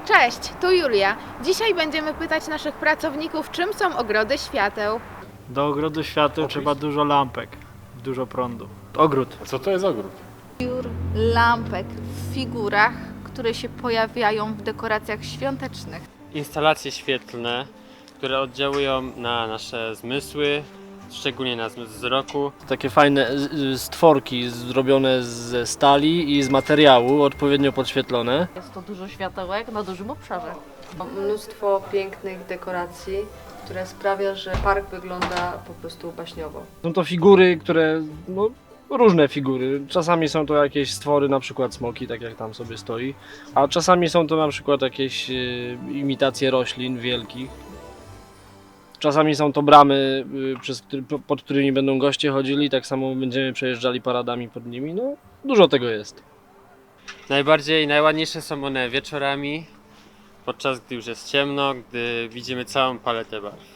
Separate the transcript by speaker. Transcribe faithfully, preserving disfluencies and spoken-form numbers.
Speaker 1: Cześć, tu Julia. Dzisiaj będziemy pytać naszych pracowników, czym są ogrody świateł.
Speaker 2: Do ogrodu świateł trzeba dużo lampek, dużo prądu. Ogród.
Speaker 3: A co to jest ogród?
Speaker 1: Piór, lampek w figurach, które się pojawiają w dekoracjach świątecznych.
Speaker 4: Instalacje świetlne, które oddziałują na nasze zmysły, szczególnie na zmysł wzroku.
Speaker 5: Takie fajne z- stworki zrobione ze stali i z materiału, odpowiednio podświetlone.
Speaker 6: Jest to dużo światełek na dużym obszarze.
Speaker 7: Mnóstwo pięknych dekoracji, które sprawia, że park wygląda po prostu baśniowo.
Speaker 5: Są to figury, które, no, różne figury. Czasami są to jakieś stwory, na przykład smoki, tak jak tam sobie stoi, a czasami są to na przykład jakieś e, imitacje roślin wielkich. Czasami są to bramy, y, przez, który- po- pod którymi będą goście chodzili, tak samo będziemy przejeżdżali paradami pod nimi. No, dużo tego jest.
Speaker 4: Najbardziej, najładniejsze są one wieczorami, podczas gdy już jest ciemno, gdy widzimy całą paletę barw.